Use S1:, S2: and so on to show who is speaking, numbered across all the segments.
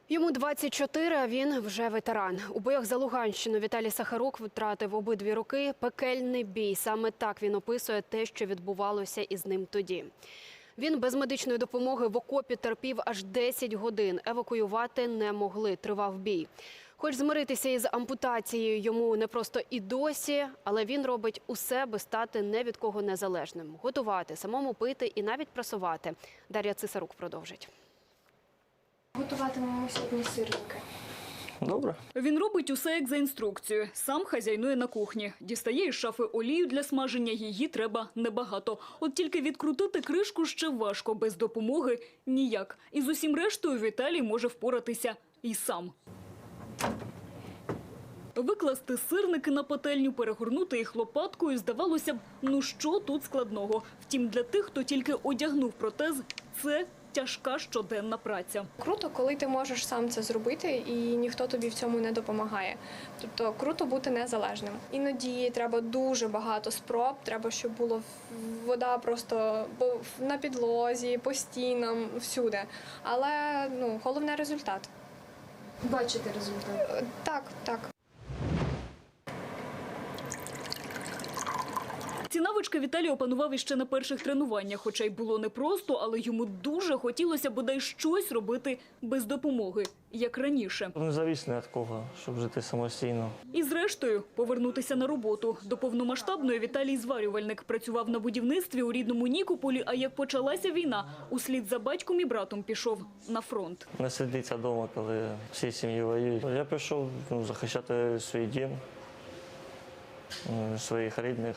S1: Йому 24, а він вже ветеран. У боях за Луганщину Віталій Сахарук втратив обидві руки. Пекельний бій. Саме так він описує те, що відбувалося із ним тоді. Він без медичної допомоги в окопі терпів аж 10 годин. Евакуювати не могли. Тривав бій. Хоч змиритися із ампутацією йому непросто і досі, але він робить усе, аби стати не від кого незалежним. Готувати, самому пити і навіть прасувати. Дар'я Цисарук продовжить.
S2: Готуватимемо сьогодні сирники.
S3: Добре.
S4: Він робить усе як за інструкцією. Сам хазяйнує на кухні. Дістає із шафи олію для смаження, її треба небагато. От тільки відкрутити кришку ще важко, без допомоги ніяк. І з усім рештою Віталій може впоратися і сам. Викласти сирники на пательню, перегорнути їх лопаткою, здавалося б, ну що тут складного. Втім, для тих, хто тільки одягнув протез, це тяжка щоденна праця.
S2: Круто, коли ти можеш сам це зробити і ніхто тобі в цьому не допомагає. Тобто круто бути незалежним. Іноді треба дуже багато спроб, треба, щоб була вода просто на підлозі, по стінам, всюди. Але головне – результат.
S5: Бачите результат?
S2: Так.
S4: Ці навички Віталій опанував іще на перших тренуваннях, хоча й було непросто, але йому дуже хотілося бодай щось робити без допомоги, як раніше.
S3: Незалежний від кого, щоб жити самостійно.
S4: І зрештою повернутися на роботу. До повномасштабної Віталій зварювальник. Працював на будівництві у рідному Нікополі, а як почалася війна, услід за батьком і братом пішов на фронт.
S3: Не сидиться вдома, коли всі сім'ї воюють. Я пішов захищати свій дім, своїх рідних.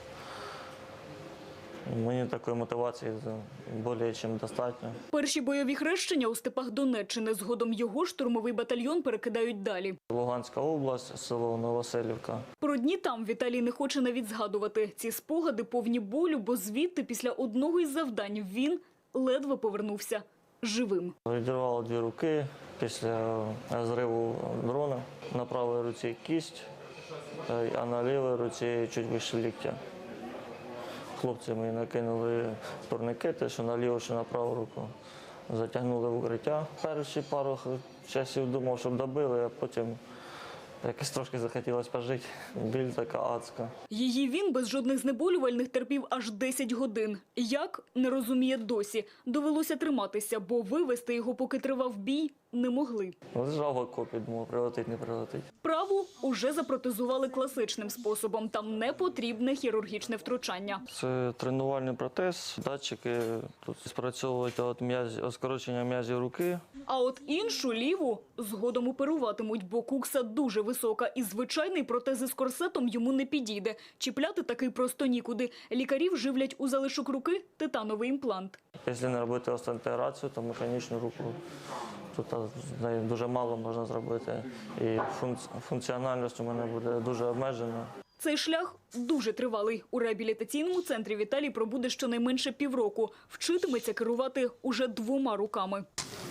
S3: Мені такої мотивації більше, ніж достатньо.
S4: Перші бойові хрещення у степах Донеччини. Згодом його штурмовий батальйон перекидають далі.
S3: Луганська область, село Новоселівка.
S4: Про дні там Віталій не хоче навіть згадувати. Ці спогади повні болю, бо звідти після одного із завдань він ледве повернувся живим.
S3: Відірвало 2 руки після зриву дрона. На правій руці кість, а на лівій руці чуть вище ліктя. Хлопці мені накинули турникети, що на ліву, що на праву руку. Затягнули в укриття. Перші пару часів думав, щоб добили, а потім якось трошки захотілося пожити. Біль така адська.
S4: Її він без жодних знеболювальних терпів аж 10 годин. Як? Не розуміє досі. Довелося триматися, бо вивезти його, поки тривав бій, не могли.
S3: Лежав в окопі, думав, прилетить, не прилетить.
S4: Праву уже запротезували класичним способом. Там не потрібне хірургічне втручання.
S3: Це тренувальний протез, датчики тут спрацьовують скорочення м'язів руки.
S4: А от іншу ліву згодом оперуватимуть, бо кукса дуже висока і звичайний протез із корсетом йому не підійде. Чіпляти такий просто нікуди. Лікарів живлять у залишок руки титановий імплант.
S3: Якщо не робити остеоінтеграцію, то механічну руку тут з нею дуже мало можна зробити. І функціональність у мене буде дуже обмежена.
S4: Цей шлях дуже тривалий. У реабілітаційному центрі Віталій пробуде щонайменше півроку. Вчитиметься керувати уже 2 руками.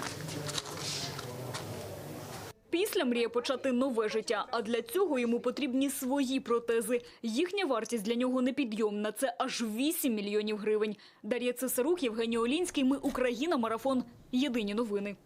S4: Після мріє почати нове життя, а для цього йому потрібні свої протези. Їхня вартість для нього непідйомна – це аж 8 мільйонів гривень. Дар'я Цисарук, Євгеній Олінський. Ми Україна. Марафон. Єдині новини.